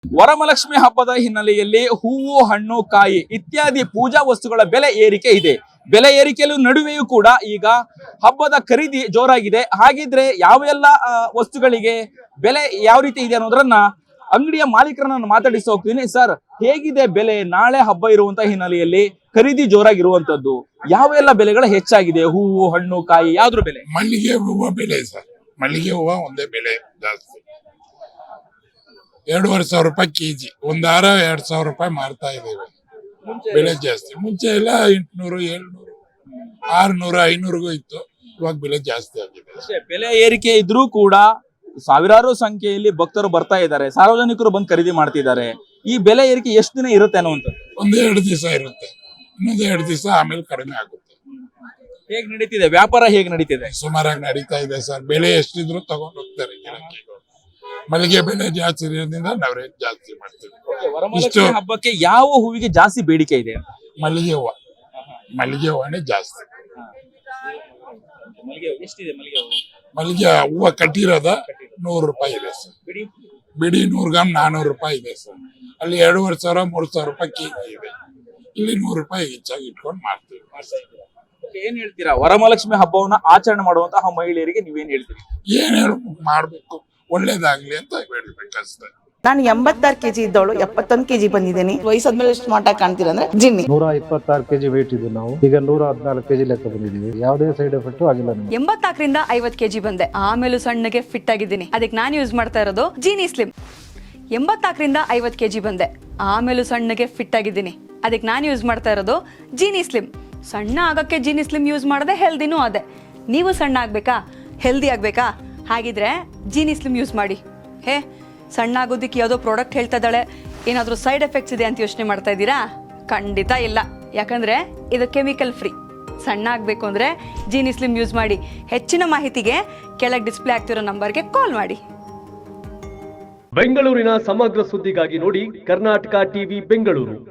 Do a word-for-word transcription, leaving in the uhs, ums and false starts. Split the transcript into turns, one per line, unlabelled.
ವರಮಹಾಲಕ್ಷ್ಮಿ ಹಬ್ಬದ ಹಿನ್ನೆಲೆಯಲ್ಲಿ ಹೂವು, ಹಣ್ಣು, ಕಾಯಿ ಇತ್ಯಾದಿ ಪೂಜಾ ವಸ್ತುಗಳ ಬೆಲೆ ಏರಿಕೆ ಇದೆ. ಬೆಲೆ ಏರಿಕೆಯ ನಡುವೆಯೂ ಕೂಡ ಈಗ ಹಬ್ಬದ ಖರೀದಿ ಜೋರಾಗಿದೆ. ಹಾಗಿದ್ರೆ ಯಾವೆಲ್ಲ ವಸ್ತುಗಳಿಗೆ ಬೆಲೆ ಯಾವ ರೀತಿ ಇದೆ ಅನ್ನೋದ್ರನ್ನ ಅಂಗಡಿಯ ಮಾಲೀಕರನ್ನ ಮಾತಾಡಿಸಿ ಹೋಗ್ತೀನಿ. ಸರ್, ಹೇಗಿದೆ ಬೆಲೆ? ನಾಳೆ ಹಬ್ಬ ಇರುವಂತಹ ಹಿನ್ನೆಲೆಯಲ್ಲಿ ಖರೀದಿ ಜೋರಾಗಿರುವಂತದ್ದು, ಯಾವೆಲ್ಲ ಬೆಲೆಗಳು ಹೆಚ್ಚಾಗಿದೆ? ಹೂವು, ಹಣ್ಣು, ಕಾಯಿ ಯಾವ್ದ್ರ ಬೆಲೆ?
ಮಲ್ಲಿಗೆ ಹೂವು ಬೆಲೆ ಸರ್, ಮಲ್ಲಿಗೆ ಹೂವು ಒಂದೇ ಬೆಲೆ ಜಾಸ್ತಿ. ಎರಡೂವರೆ ಸಾವಿರ ರೂಪಾಯಿ ಕೆಜಿ, ಒಂದ್ ಹಾರ ಎರಡ್ ಸಾವಿರ ರೂಪಾಯಿ ಮಾರ್ತಾ ಇದ್ದೇವೆ. ಬೆಲೆ ಜಾಸ್ತಿ. ಮುಂಚೆ ಎಲ್ಲ ಎಂಟ್ನೂರು, ಏಳ್ನೂರು, ಆರ್ನೂರು, ಐನೂರಿಗೂ ಇತ್ತು. ಇವಾಗ ಬೆಲೆ ಜಾಸ್ತಿ ಆಗಿದೆ.
ಬೆಲೆ ಏರಿಕೆ ಇದ್ರೂ ಕೂಡ ಸಾವಿರಾರು ಸಂಖ್ಯೆಯಲ್ಲಿ ಭಕ್ತರು ಬರ್ತಾ ಇದ್ದಾರೆ, ಸಾರ್ವಜನಿಕರು ಬಂದು ಖರೀದಿ ಮಾಡ್ತಿದ್ದಾರೆ. ಈ ಬೆಲೆ ಏರಿಕೆ ಎಷ್ಟು ದಿನ ಇರುತ್ತೆ ಅನ್ನುವಂಥದ್ದು?
ಒಂದ್ ಎರಡು ದಿವಸ ಇರುತ್ತೆ, ಇನ್ನೊಂದ್ ಎರಡು ದಿವಸ ಆಮೇಲೆ ಕಡಿಮೆ ಆಗುತ್ತೆ.
ಹೇಗ್ ನಡೀತಿದೆ ವ್ಯಾಪಾರ? ಹೇಗ್ ನಡೀತಿದೆ?
ಸುಮಾರಾಗಿ ನಡೀತಾ ಇದೆ ಸರ್. ಬೆಲೆ ಎಷ್ಟಿದ್ರು ತಗೊಂಡ್ ಹೋಗ್ತಾರೆ ಗಿರಾಕಿಗಳು. ಮಲ್ಲಿಗೆ ಬೆಲೆ ಜಾಸ್ತಿ ಇರೋದ್ರಿಂದ ನಾವು ರೇಟ್ ಜಾಸ್ತಿ ಮಾಡ್ತೀವಿ.
ವರಮಹಾಲಕ್ಷ್ಮಿ ಹಬ್ಬಕ್ಕೆ ಯಾವ ಹೂವಿಗೆ ಜಾಸ್ತಿ ಬೇಡಿಕೆ ಇದೆ?
ಮಲ್ಲಿಗೆ ಹೂವು, ಮಲ್ಲಿಗೆ ಹೂವನೇ ಜಾಸ್ತಿ. ಮಲ್ಲಿಗೆ ಹೂವು ಕಟ್ಟಿರೋದ ನೂರು ರೂಪಾಯಿ ಇದೆ ಸರ್. ಬಿಡಿ ನೂರು ಗ್ರಾಮ್ ನಾನೂರು ರೂಪಾಯಿ ಇದೆ ಸರ್. ಅಲ್ಲಿ ಎರಡೂವರೆ ಸಾವಿರ ಮೂರು ಸಾವಿರ ರೂಪಾಯಿ ಕೆಜಿ ಇದೆ. ಇಲ್ಲಿ ನೂರು ರೂಪಾಯಿ ಹೆಚ್ಚಾಗಿ ಇಟ್ಕೊಂಡು ಮಾಡ್ತೀವಿ.
ಏನ್ ಹೇಳ್ತೀರಾ ವರಮಹಾಲಕ್ಷ್ಮಿ ಹಬ್ಬವನ್ನ ಆಚರಣೆ ಮಾಡುವಂತಹ ಮಹಿಳೆಯರಿಗೆ ನೀವೇನ್ ಹೇಳ್ತೀರಿ?
ಏನ್ ಹೇಳ ಮಾಡ್ಬೇಕು, ಒಳ್ಳೇದಾಗ್ಲಿ ಅಂತ ಹೇಳ್ಬೇಕಷ್ಟೇ.
ನಾನು ಎಂಬತ್ತಾರು ಕೆಜಿ ಇದ್ದವಳು ಎಪ್ಪತ್ತೊಂದು ಕೆಜಿ ಬಂದಿದ್ದೀನಿ. ವಯಸ್ಸಾದ್ಮೇಲೆ ಸ್ಮಾರ್ಟ್ ಆಗಿ ಕಾಣ್ತೀರ ಅಂದ್ರೆ ಜಿನ್ನಿ.
ನೂರ ಇಪ್ಪತ್ತಾರು ಕೆಜಿ ವೇಟ್ ಇದ್ದು ನಾವು ಈಗ ನೂರ ಹದಿನಾಲ್ಕು ಕೆಜಿ ಲೆಕ್ಕ ಬಂದಿದ್ದೀವಿ. ಯಾವುದೇ ಸೈಡ್ ಎಫೆಕ್ಟ್ ಆಗಿಲ್ಲ.
ಎಂಬತ್ನಾಲ್ಕರಿಂದ ಐವತ್ತು ಕೆಜಿ ಬಂದೆ, ಆಮೇಲೂ ಸಣ್ಣಗೆ ಫಿಟ್ ಆಗಿದ್ದೀನಿ. ಅದಕ್ಕೆ ನಾನು ಯೂಸ್ ಮಾಡ್ತಾ ಇರೋದು ಜೀನಿ ಸ್ಲಿಮ್. ಎಂಬತ್ನಾಲ್ಕರಿಂದ ಐವತ್ತು ಕೆಜಿ ಬಂದೆ, ಆಮೇಲೂ ಸಣ್ಣಗೆ ಫಿಟ್ ಆಗಿದ್ದೀನಿ. ಅದಕ್ಕೆ ನಾನು ಯೂಸ್ ಮಾಡ್ತಾ ಇರೋದು ಜೀನಿ ಸ್ಲಿಮ್. ಸಣ್ಣ ಆಗಕ್ಕೆ ಜೀನಿ ಸ್ಲಿಮ್ ಯೂಸ್ ಮಾಡದೆ ಹೆಲ್ದಿನೂ ಅದೇ. ನೀವು ಸಣ್ಣ ಆಗ್ಬೇಕಾ, ಹೆಲ್ದಿ ಆಗ್ಬೇಕಾ? ಹಾಗಿದ್ರೆ ಜೀನಿ ಸ್ಲಿಮ್ ಯೂಸ್ ಮಾಡಿ. ಹೇ, ಸಣ್ಣ ಆಗೋದಕ್ಕೆ ಯಾವುದೋ ಪ್ರಾಡಕ್ಟ್ ಹೇಳ್ತಾ ಇದ್ದಾಳೆ, ಏನಾದರೂ ಸೈಡ್ ಎಫೆಕ್ಟ್ಸ್ ಇದೆ ಅಂತ ಯೋಚನೆ ಮಾಡ್ತಾ ಇದ್ದೀರಾ? ಖಂಡಿತ ಇಲ್ಲ, ಯಾಕಂದ್ರೆ ಇದು ಕೆಮಿಕಲ್ ಫ್ರೀ. ಸಣ್ಣ ಆಗಬೇಕು ಅಂದರೆ ಜೀನಿ ಸ್ಲಿಮ್ ಯೂಸ್ ಮಾಡಿ. ಹೆಚ್ಚಿನ ಮಾಹಿತಿಗೆ ಕೆಳಗೆ ಡಿಸ್ಪ್ಲೇ ಆಗ್ತಿರೋ ನಂಬರ್ಗೆ ಕಾಲ್ ಮಾಡಿ.
ಬೆಂಗಳೂರಿನ ಸಮಗ್ರ ಸುದ್ದಿಗಾಗಿ ನೋಡಿ ಕರ್ನಾಟಕ ಟಿವಿ ಬೆಂಗಳೂರು.